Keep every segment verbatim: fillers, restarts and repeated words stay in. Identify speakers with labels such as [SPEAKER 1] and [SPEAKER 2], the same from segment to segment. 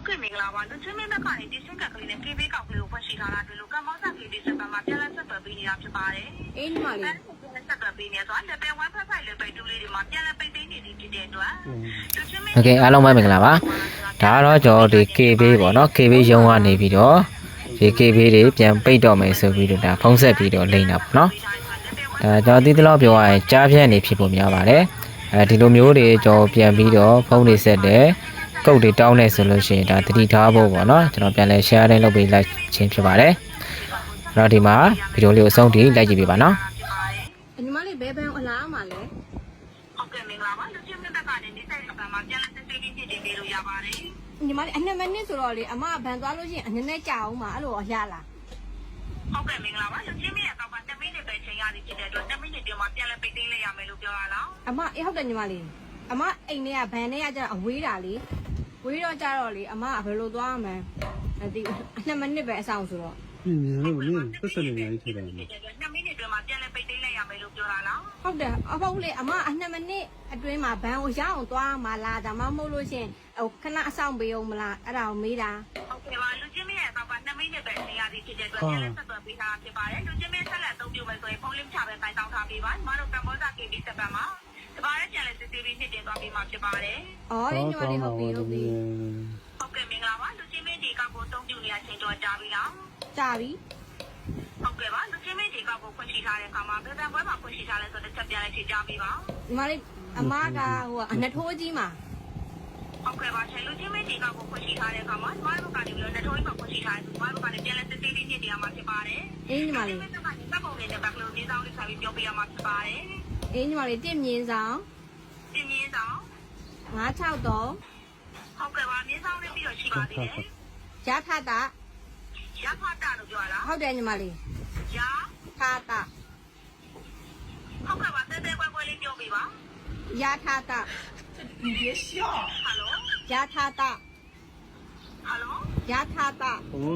[SPEAKER 1] ကဲ့မင်္ဂလာပါလူချင်းမင်းဘက်ကနေဒီစင်ကကလေးနဲ့ K B ကောက်ကလေးကိုဖွင့်ရှိထားတာတွေ့လို့ကမ္ဘောဇာ K B စက်ပတ်မှာပြန်လည်ဆက်သွယ်ပေးနေတာဖြစ်ပါတယ်
[SPEAKER 2] အေးညီမလေး
[SPEAKER 1] ဆက်သွယ်ပေးနေဆိုတော့ level one ဖက်ဖိုက် level two လေးတွေမှာပြန်လည်ပိတ်သိမ်းနေသည်ဖြစ်တဲ့အတွက်လူချင်းမင်း
[SPEAKER 3] โอเคအားလုံးပဲမင်္ဂလာပါဒါကတော့ကျွန်တော်ဒီ K B ပေါ့နော် K B ရုံးကနေပြီးတော့ဒီ K B တွေပြန်ပိတ်တော့မယ်ဆိုပြီးတော့ဒါဖုံးဆက်ပြီးတော့လိမ့်တာပေါ့နော်ဒါကျွန်တော်ဒီတလောက်ပြောရရင်ကြားပြန့်နေဖြစ်ဖို့များပါတယ်အဲဒီလိုမျိုးတွေကျွန်တော်ပြန်ပြီးတော့ဖုံးနေဆက်တယ်ကုတ်တွေတောင်းနေဆိုလို့ရှိရင်ဒါတတိထားဖို့ပေါ့နော်ကျွန်တော်ပြန်လဲ share တိုင်းလုပ်ပေးလိုက်ခြင်းဖြစ်ပါတယ်အဲ့တော့ဒီမှာဗီဒီယိုလေးကိုအဆုံးထိလိုက်ကြည့်ပေးပါနော်
[SPEAKER 2] ညီမလေးဘယ်ဘယ်အလားမှာလဲ
[SPEAKER 1] ဟုတ်ကဲ့မင်္ဂလာပါလူချင်းမင်းဘက်ကနေဒီဆိုင်ကမှာပြန်လည်စစ်ဆေးပြီးဖြစ်တင်ပေးလို့ရပါတယ်
[SPEAKER 2] ညီမလေးအနှစ်မိနစ်ဆိုတော့လေအမဗန်သွားလို့ရှိရင်အနည်းနဲ့ကြာအောင်ပါအဲ့လိုရလား
[SPEAKER 1] ဟုတ်ကဲ့မင်္ဂလာပါလူချင်းမင်းရဲ့ကောက်ကtenမိနစ်ပဲချိန်ရသည်ဖြစ်တဲ့အတွက်tenမိနစ်တွင်မှာပြန်လည်ပိတ်သိမ်းလိုက်ရမယ်လို့ပြောရလား
[SPEAKER 2] အမအေးဟုတ်တယ်ညီမလေးအမအိမ်ထဲကဘန်ထဲကကျတော့အဝေးတာလေဝေးတော့ကြတော့လေအမကဘယ်လိုသွားမှန်းဒီအနှစ်မိနစ်ပဲအဆောင်ဆိုတော့
[SPEAKER 4] ပြင်းနေလို့မင်းပတ်စံနေနေထိတယ်နော်
[SPEAKER 1] tenမိနစ်တွင်မှာပြန်လည်ပိတ်သိမ်းလိုက်ရမယ်လို့ပြောရလား
[SPEAKER 2] ဟုတ်တယ်အဖေလေအမအနှစ်မိနစ်အတွင်းမှာဘန်ကိုရအောင်သွားမှလားဒါမှမဟုတ်လို့ရှင်ဟိုခဏအဆောင်ပေးအောင်မလားအဲ့ဒါကိုမေးတာ
[SPEAKER 1] ဟုတ်ကဲ့ပါလူချင်းမင်းရဲ့ကောက်ကtenမိနစ်ပဲချိန်ရသည်ဖြစ်တဲ့အတွက်ပြန်လည်ဆက်သွယ်ပေးထားဖြစ်ပါတယ်လူချင်းမင်းဆက်လက်အသုံးပြုမယ်ဆိုရင်ဖုန်းလင်းချပဲတိုင်တောင်းထားပေးပါညီမတို့ကမ္ဘောဇာ K B စက်ပတ်မှာဒီပါရဲ့ပြန်လည်စစ်ဆေးပြီးဖြစ်တင်သွားပြီးမှဖြစ်ပါတယ်
[SPEAKER 2] ။အော်ညီမလေးဟုတ်ပြီဟုတ်ပြီ
[SPEAKER 1] ။ဟုတ်ကဲ့မင်္ဂလာပါလူချင်းမင်းဒီကောက်ကိုအသုံးပြုနေရချိန်တော့ကြာပြီလား
[SPEAKER 2] ။ကြာပြီ
[SPEAKER 1] ။ဟုတ်ကဲ့ပါလူချင်းမင်းဒီကောက်ကိုဖွင့်ရှိထားတဲ့အခါမှာဘယ်ဘန်ပွဲမှာဖွင့်ရှိထားလဲဆိုတော့တစ်ချက်ပြန်လိုက်ချိန်ကြာပြီပါ
[SPEAKER 2] ။ညီမလေးအမကဟိုအနှစ်ထိုးကြီးမှာ
[SPEAKER 1] ဟုတ်ကဲ့ပါရှင်လူချင်းမင်းဒီကောက်ကိုဖွင့်ရှိထားတဲ့အခါမှာညီမတို့ကနေပြီးတော့နှစ်ထိုးကြီးမှာဖွင့်ရှိထားတယ်ညီမတို့ကနေပြန်လဲစစ်ဆေးပြီးဖြစ်တင်ရမှာဖြစ်ပါတယ်
[SPEAKER 2] ။အေးညီမလေး
[SPEAKER 1] ။ဒီမှာစက်ပုံလေးနဲ့ဘက်ကလေးဒီဆောင်လေးဆက်ပြီးပြောပြရမှာဖြစ်ပါတယ်
[SPEAKER 2] ။အေးညီမလေးတင့်မြင်းဆောင်
[SPEAKER 1] တင်မြင့်ဆောင်
[SPEAKER 2] ငါး၆တော့
[SPEAKER 1] ဟုတ်ကဲ့ပါမြင်းဆောင်လေးပြီးတော့ရှိပါသေးတယ်
[SPEAKER 2] ရထတာ
[SPEAKER 1] ရဖတာလို့ပြောရလား
[SPEAKER 2] ဟုတ်တယ်ညီမလေး
[SPEAKER 1] ရ
[SPEAKER 2] ထတာ
[SPEAKER 1] ဟုတ်ကဲ့ပါတဲတဲကွဲကွဲလေးပြောပြပါ
[SPEAKER 2] ရထတာ
[SPEAKER 1] 你别笑哈喽
[SPEAKER 2] ရထတာ
[SPEAKER 1] 哈喽
[SPEAKER 2] ရထတာ
[SPEAKER 4] ဟို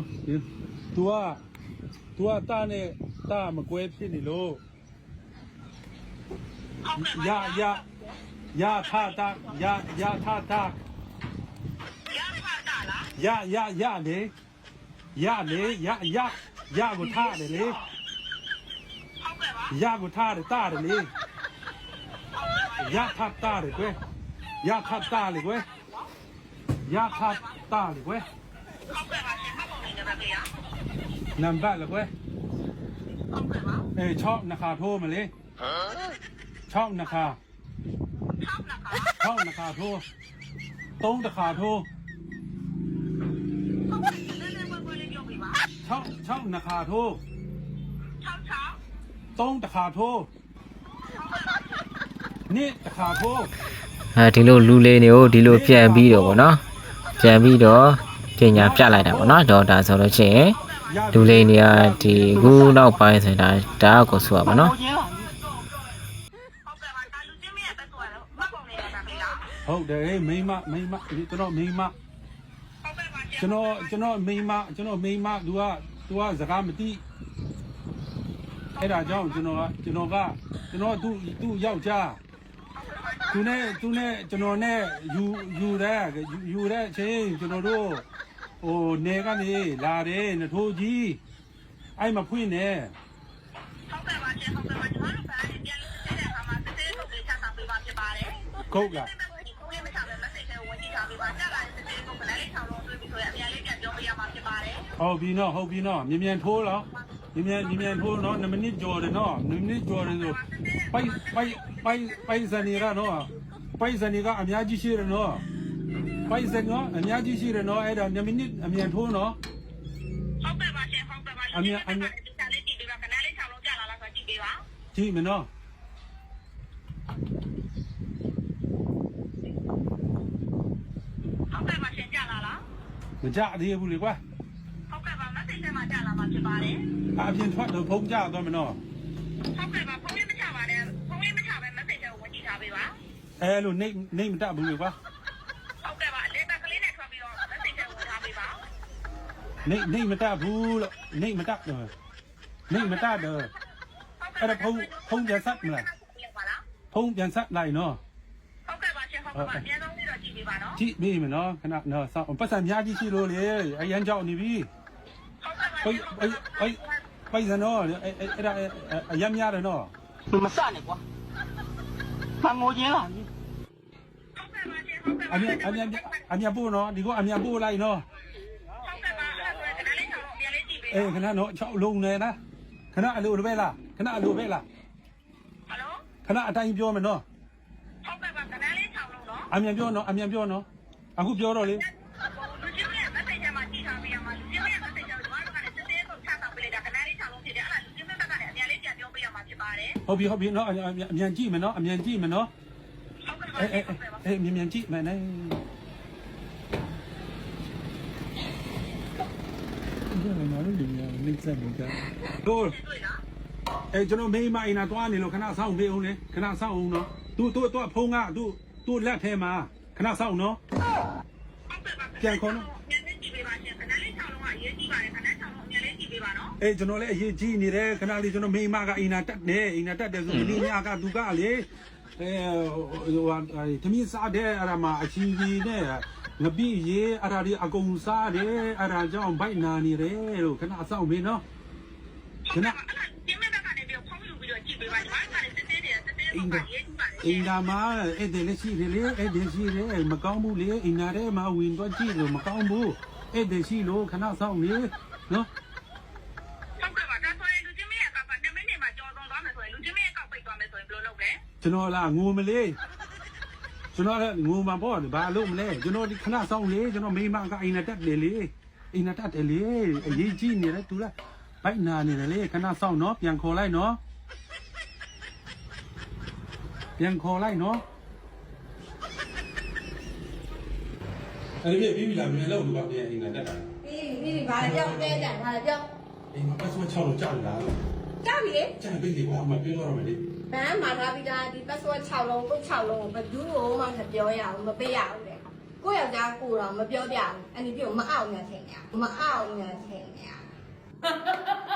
[SPEAKER 4] तू อ่ะ तू อ่ะตาနဲ့ตาမကွဲဖြစ်နေလို့ရရရထတာရရထတာ
[SPEAKER 1] ရဖတာလား
[SPEAKER 4] ရရရလေရလေရရရကိုထားတယ်လေ
[SPEAKER 1] ဟုတ်ကဲ့ပါ
[SPEAKER 4] ရကိုထားတယ်တာတယ်လေရထတာလေကွယ်ရထတာလေကွယ်ရထတာလေကွယ်
[SPEAKER 1] ဟုတ်ကဲ့ပါရှင်မှတ်ပုံလေးနဲ့ပဲဗျာ
[SPEAKER 4] နံပါတ်လေကွယ်
[SPEAKER 1] ဟုတ်ကဲ့ပါ
[SPEAKER 4] เออชอบนะคะโทรมาเลยฮะชอบนะคะ
[SPEAKER 1] ชอบนะคะ
[SPEAKER 4] ชอบนะคะโทรตรงนะคะโทรชอบชอบนะคะโทร
[SPEAKER 1] ชอบชอบ
[SPEAKER 4] ตรงนะคะโทรนี่นะคะโทร
[SPEAKER 3] အဲဒီလိုလူလေးတွေကိုဒီလိုပြန်ပြီးတော့ဗောနော်ပြန်ပြီးတော့ပညာပြလိုက်တာဗောနော်တော့ဒါဆိုလို့ရှိရင်လူလေးတွေကဒီခုနောက်ပိုင်းဆိုတာဒါကိုဆိုရပါနော်
[SPEAKER 4] ဟုတ်တယ်မိမမိမကျွန်တော်မိမကျွန်တော်ကျွန်တော်မိမကျွန်တော်မိမ तू က तू ကစကားမသိအဲ့ဒါကြောင့်ကျွန်တော်ကကျွန်တော်ကကျွန်တော်သူ့သူ့ယောက်ျားသူနဲ့သူနဲ့ကျွန်တော်နဲ့ယူယူတဲ့ယူတဲ့အချိန်ကျွန်တော်တို့ဟိုနေကနေလာတယ်နထိုးကြီးအဲ့မဖွင့်နဲ့
[SPEAKER 1] ဟုတ်ကဲ့ပါရှင်ဟုတ်ကဲ့ပါကျွန်တော်တို့ကလည်းပြန်လို့တဲ့အခါမှာစစ်သေးလုပ်ပေးချတာပေးပါဖြစ်ပါတယ်
[SPEAKER 4] ဟုတ်လားဟုတ်ပြီနော်ဟုတ်ပြီနော်မြင်မြန်ထိုးတော့မြင်မြန်မြင်မြန်ထိုးနော်နှစ်မိနစ်ကျော်တယ်နော်နှစ်မိနစ်ကျော်တယ်ဆိုပိုက်ပိုက်ပိုက်ပိုက်စနေရနော်ပိုက်စနေကအများကြီးရှိတယ်နော်ပိုက်စနေကအများကြီးရှိတယ်နော်အဲ့ဒါနှစ်မိနစ်အမြန်ထိုးနော်
[SPEAKER 1] ဟုတ်ကဲ့ပါရှင်ဟုတ်ကဲ့ပါ
[SPEAKER 4] အမြန်အမြန်
[SPEAKER 1] ဒီစားလေးကြည့်ပေးပါခဏလေး၆လုံးကြာလာလားဆိုကြည့်ပေးပါ
[SPEAKER 4] ကြည့်မနော်
[SPEAKER 1] ဟုတ်ကဲ့ပါရှင်ကြာလာလား
[SPEAKER 4] မကြသေးဘူးလေကွာ
[SPEAKER 1] ဟုတ်ကဲ့ပါမသိတဲ့မှာကြာလာမှာဖြစ်ပါတယ်
[SPEAKER 4] အပြင်ထွက်တော့ဖုံးကြတော့မနော်
[SPEAKER 1] ဟုတ်ကဲ့ပါဖုန်းလေးမချပါနဲ့ဖုန်းလေးမချပဲမသိတဲ့ကိုဝင်ကြည့်ထားပေးပါ
[SPEAKER 4] အဲလိုနေနေမတတ်ဘူးလေကွာ
[SPEAKER 1] ဟုတ်ကဲ့ပါလေဘက်ကလေးနဲ့ထွက်ပြီးတော့မသိတဲ့ကိုဝင်ထားပေးပါ
[SPEAKER 4] နေနေမတတ်ဘူးလို့နေမတတ်တော့နေမတတ်တော့အဲ့ဒါဖုံးဖုံးပြန်ဆက်မလားဖုံးပြန်ဆက်လိုက်နော်
[SPEAKER 1] ဟုတ်ကဲ့ပါရှင်ဟုတ်ကဲ့ပါအများဆုံးလေးတော့ကြည့်ပေးပေးပါနော်
[SPEAKER 4] ကြည့်မိမနော်ခဏနော်စောင့်ပတ်စံများကြီးရှိလို့လေအရန်ကြောက်နေပြီ
[SPEAKER 1] ဟုတ်ကဲ့ပါ
[SPEAKER 4] ပိတ်ပိတ်ပိတ်စနော်အဲ့အဲ့ဒါအရန်များတယ်နော်
[SPEAKER 5] 你们散了瓜，看我赢了。
[SPEAKER 1] ဟုတ်ကဲ့ပါရှင်ဟုတ်ကဲ့
[SPEAKER 4] အမြန်အမြန်အမြန်ပို့နော်ဒီကအမြန်ပို့လိုက်နော်
[SPEAKER 1] ဟုတ်ကဲ့ပါအဲ့ဒါဆိုရင်ခဏလေးဆောင်ပြန်လေးကြည့်ပေး
[SPEAKER 4] အေးခဏနော်၆လုံးနေလားခဏအလိုပဲလားခဏအလိုပဲလား
[SPEAKER 1] ဟယ်လို
[SPEAKER 4] ခဏအတိုင်းပြောမယ်နော်
[SPEAKER 1] ဟုတ်ကဲ့ပါခဏလေးဆောင်လို့နော်
[SPEAKER 4] အမြန်ပြောနော်အမြန်ပြောနော်အခုပြောတော့လေ
[SPEAKER 1] လူချင်းရဲ့ message မှာကြည့်ထားပေးရမှာလူချင်းရဲ့ message ကိုကျွန်တော်တို့ကလည်းစစ်သေးကိုချဆောင်ပေးလိုက်တာခဏလေးဆောင်လို့ဖြစ်တယ်အဲ့ဒါလူချင်းဘက်ကလည်းအများလေးပြန်ပြောပေးရမှာဖြစ်ပါတယ်
[SPEAKER 4] ဟုတ်ပြီဟုတ်ပြီနော်အမြန်ကြည့်မယ်နော်အမြန်ကြည့်မယ်နော်
[SPEAKER 1] ဟုတ်ကဲ့ပါ
[SPEAKER 4] အေး
[SPEAKER 1] ဟုတ်ကဲ့ပါ
[SPEAKER 4] အေးမြန်မြန်ကြည့်မယ်နဲ့ဒီမှာနော်ဒီမှာလိမ့်စက်နေတာတို့
[SPEAKER 1] တွေ့လား
[SPEAKER 4] အဲကျွန်တော်မိမအိမ်နာတွားနေလို့ခဏဆောင်းပေးအောင်လေခဏဆောင်းအောင်နော်သူသူသူဖုံးကသူသူလက်ထဲမှာခဏဆောင်းနော်
[SPEAKER 1] ဟုတ်ကဲ့ပါမြန်လေးကြည့်ပေးပါရှင်ခဏလေးဆောင်လို့ကအရေးကြီးပါတယ်ခဏဆောင်လို့အများလေးကြည့်ပေးပါနော်
[SPEAKER 4] အေးကျွန်တော်လည်းအရေးကြီးနေတယ်ခဏလေးကျွန်တော်မိမကအိမ်နာတက်တယ်အိမ်နာတက်တယ်ဆိုဒီညကသူကလေအဲဟိုဟာသမီးစားတဲ့အဲ့ဒါမှာအချီကြီးနဲ့ငပိရေအဲ့ဒါဒီအကုန်စားတယ်အဲ့ဒါကြောင့်ဘိုက်နာနေတယ်လို့ခဏဆောင်းပေးနော်ခဏ
[SPEAKER 1] ဒီမဲ့ကလည်းပြောဖုန်းယူပြီးတော့ကြည့်ပေးပါညီမကလည်းစစ်သေးတယ်စစ်သေးကိုပါရေးကြည့်ပါလေ
[SPEAKER 4] အိမ်နာမှာအဲ့ဒီလက်ရှိတယ်လေအဲ့ဒီရှိတယ်မကောင်းဘူးလေအိမ်နာထဲမှာဝင်တော့ကြည့်လို့မကောင်းဘူးအဲ့ဒီရှိလို့ခဏဆောင်နေနော်
[SPEAKER 1] ဟုတ်ကဲ့ပါဒါဆိုရင်လူချင်းမရဲ့အကောက်ကနှစ်မိနစ်မှာကြော်သွန်းသွားမယ်ဆိုရင်လူချင်းမရဲ့အကောက်ပိတ်သွားမယ်ဆိုရင်ဘယ်လိုလုပ်လဲ
[SPEAKER 4] ကျွန်တော်လာငိုမလေးကျွန်တော်လည်းငိုမှာပေါ့ဘာလို့မလဲကျွန်တော်ဒီခဏဆောင်လေကျွန်တော်မိမကအိမ်နာတက်တယ်လေအိမ်နာတက်တယ်လေအရေးကြီးနေတယ်သူလားဘိုက်နာနေတယ်လေခဏဆောင်နော်ပြန်ခေါ်လိုက်နော်ပြန်ခေါ်လိုက်နော်အဲ့ဒီပြီးပြီလားမြန်လို့ဒီကပြန်အိမ်နာတက်တာ
[SPEAKER 2] ပြီးပြီးဘာလဲပြောင်းတဲကြဘာလဲပြောင်း
[SPEAKER 4] အိမ်မှာပတ်စမချောက်လို့ကြောက်လာ
[SPEAKER 2] ကြောက်ပြီလေ
[SPEAKER 4] ကျန်ပြီလေကွာမပြောတော့မယ်လေ
[SPEAKER 2] ဘန်းမှာထားပြီးသားဒီ password 6လုံးကို6လုံးကိုဘယ်သူ့ကိုမှမပြောရဘူးမပေးရဘူးလေကိုယောက်ျားကိုတော့မပြောပြဘူးအဲ့ဒီပြုတ်မအောင်ညာထင်ညာမအောင်ညာထင်ညာ